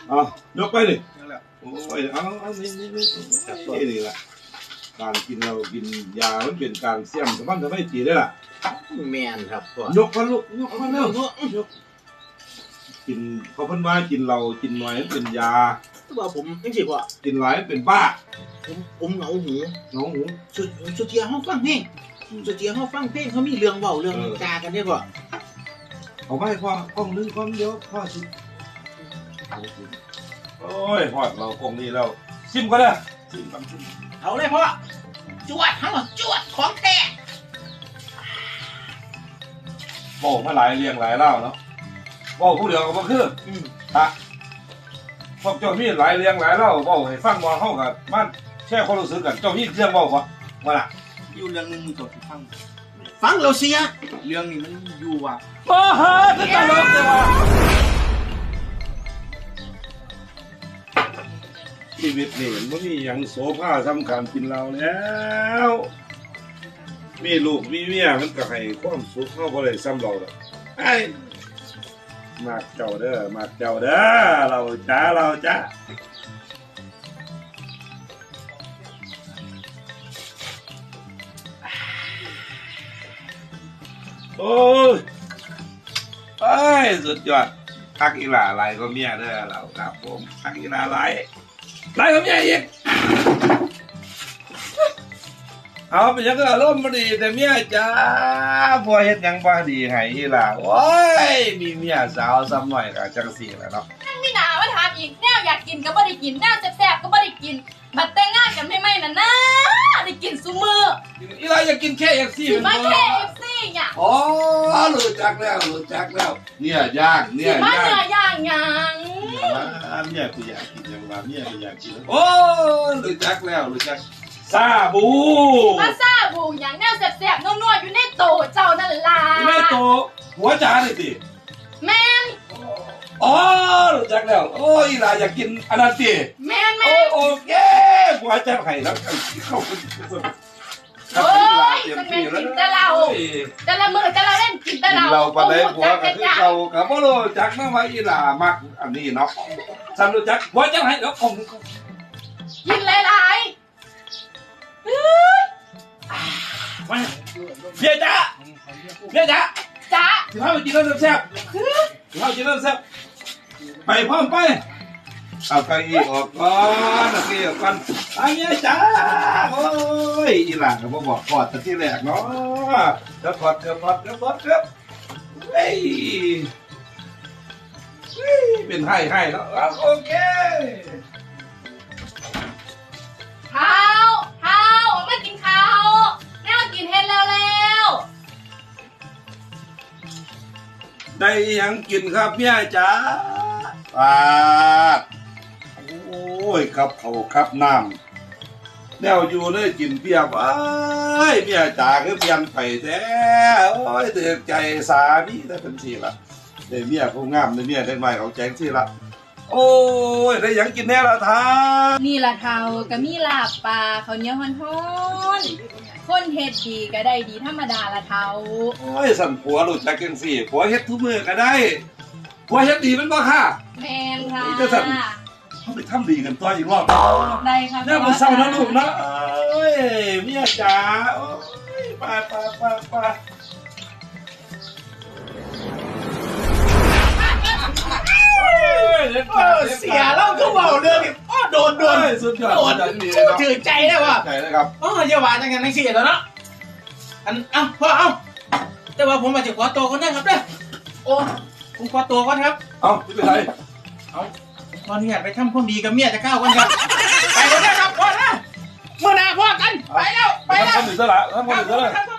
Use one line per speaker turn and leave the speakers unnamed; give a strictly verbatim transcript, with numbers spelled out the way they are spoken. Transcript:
เอายกไปดิโอ้ยเอาเอานี่นี่นี่นี่นี่แหละการกินเรากินยามันเป็นการเสี่ยมสมบัติทำให้ตีได้ล่ะ
แมนครับพ่อย
กมาลูกยกมาแล้วยกกินเขาเพิ่นว่ากินเรากินน้อยเป็นยา
ตัวผมไม่ใช่พ่อ
กินหลายเป็นบ้า
ผมผมเหงาหู
น้องหู
สุดสุดเทียเขาฟังเพลงสุดเทียเขาฟังเพลงเขามีเรื่องเบาเรื่องจากันได้พ่อ
เอาไปพ่อกล้องนึงความเดียวพ่อสิโอ้ยพอดเรากล้องนี้แล้วซิมก็ได้ซิมกันซิม
เอาเลยพ่อจวดเขาจวดของแท้
บอกมาหลายเรียงหลายเล่าเนาะบอกผู้เดียวก็คือฮะพวกเจ้ามีหลายเรียงหลายเล่าบอกให้ฟังมาเข้ากันมันแช่ความรู้สึกกันเจ้ามีเรื่องบอกว่าว่าล่ะ
อยู่เรื่องนึงตัวที่ฟังฟังเราเสียเรื่องนี้มันอยู่ว่ะ
บ้าฮะจะตลกเลยว่ะชีวิตนี่มันมีอย่างโสภาสำคัญกินเราแล้วมีลูกมีเมียมันก็ให้ความสุขเข้าบ่ได้ซ้ำเราดอกไอ้มากเจ้าเด้อมากเจ้าเด้อเราจ้าเราจ้าโอ้ยไอ้สุดยอดทักอีหลาไหลก็เมียเด้อเราครับผมทักอีหลาไหลไหลก็เมียอีกเอาเป็นยังก็อารมณ์บ่ดีแต่เมียจ้าพอเฮ็ดยังบ่ดีให้อีหลาโอ้ยมีเมียสาวซ้ำหน่อยก็จังซี่แหละเนาะ
นั่งไม่หนาว่าถามอีกแนวอยากกินก็บ่ได้กินแนวแซ่บๆก็บ่ได้กินบัดแต่งงานกันไม่ๆน่ะนะได้กินซุมื้อ
อีหลาอยากกินแค่ เอฟ ซี
สิมาแค่ เอฟ ซี หยัง
อ๋อรู้จักแล้วรู้จักแล้วเนี่ยย่างเนี่ยย่าง
สิมาเนื้อย่างหยัง
เมียกูอยากกินยังว่าเมียกูอยากกินโอ้รู้จักแล้วรู้จักซาบู
มาซาบูหยังแนวแซ่บๆนัวๆอยู่ในโตเจ้านั่นล่ะ
อยู่ในโตหัวจานนี่สิ
แม่น
อ๋อรู้จักแล้วโอ้ยอีหลาอยากกินอันนั้นสิ
แม่น
โอ้โอเคหัวจานไข่แล้วเข้าไป
โอ้ยมันเป็นกินแต่เราแต่ละมื้อแต่ละเล่นกินแต่เรา
เราปานใดหัวก็คือเก่าก็บ่รู้จักนะว่าอีหลามักอันนี้เนาะฉันรู้จักหัวจานไข่แล้วคง
กินหลายๆ
มาเบียจ้าเบียจ้า
จ้า
สิพาไปกินน้ำแซ่บสิพาไปกินน้ำแซ่บไปพร้อมไปเอาเก้าอี้ออกก่อนเอาเก้าอี้ออกก่อนไอ้เบียจ้าโอ้ยอีหลานก็บ่บอกกอดแต่ที่แรกเนาะเดี๋ยวถอดเกือบถอดเกือบถอดเกือบเฮ้ยเป็นให้ให้แล้วโอเค
ข้าวข้าวมากินข้าวแม่มากินเฮ็ดแล้วแล้ว
ได้ยังกินครับเมียจ๋าปาดโอ้ยครับเขาครับน้ำแนวอยู่เลยกินเปียบไอ้เมียจ๋าคือเปลี่ยนไปแท้โอ้ยเตือนใจสามีได้เป็นทีละได้เมียผู้งามได้เมียได้ใหม่เขาแจ้งทีละโอ้ยได้ยังกินแน่ละท่า
นี่ละเทาก็มีลาบปลาข้าวเหนียวฮ้อนๆคนเฮ็ดดีก็ได้ดีธรรมดาละเทา
โอ้ยสั่นผัวรู้จักจังสี่ผัวเฮ็ดทุกมื้อก็ได้ผัวเฮ็ดดีมันบ่ค่ะ
แม่นค่ะ
จะสั่นเขาไปทำดีกันต่ออีกรอบ
ได้ค่ะ
เนี่ยมันเศร้านะลูกนะเอ้ยเมียจ๋าโอ้ยไปไปไปไป
เสียแล้วก็เบาเรื่องอ๋อโดนโดน
สุดยอด
โดนถือใจได้ว่ะ
ใจนะครับ
อ๋อเยาว์จังกันทั้งสี่แล้วเนาะอันเอ้าพ่อเอ้าแต่ว่าผมมาจะขอตัวก่อนนะครับเด้อโอ้ผมขอตัวก่อนครับ
เอ้าไม่เป็นไร
เอ้าตอนนี้ไปทำความดีกับเมียจะก้าวกันครับไปก่อนนะครับพ่อนะเมื่อหน้าพ่อกันไปแล้วไปแล้ว
ทำหนึ่งซะละทำหนึ่งซะละ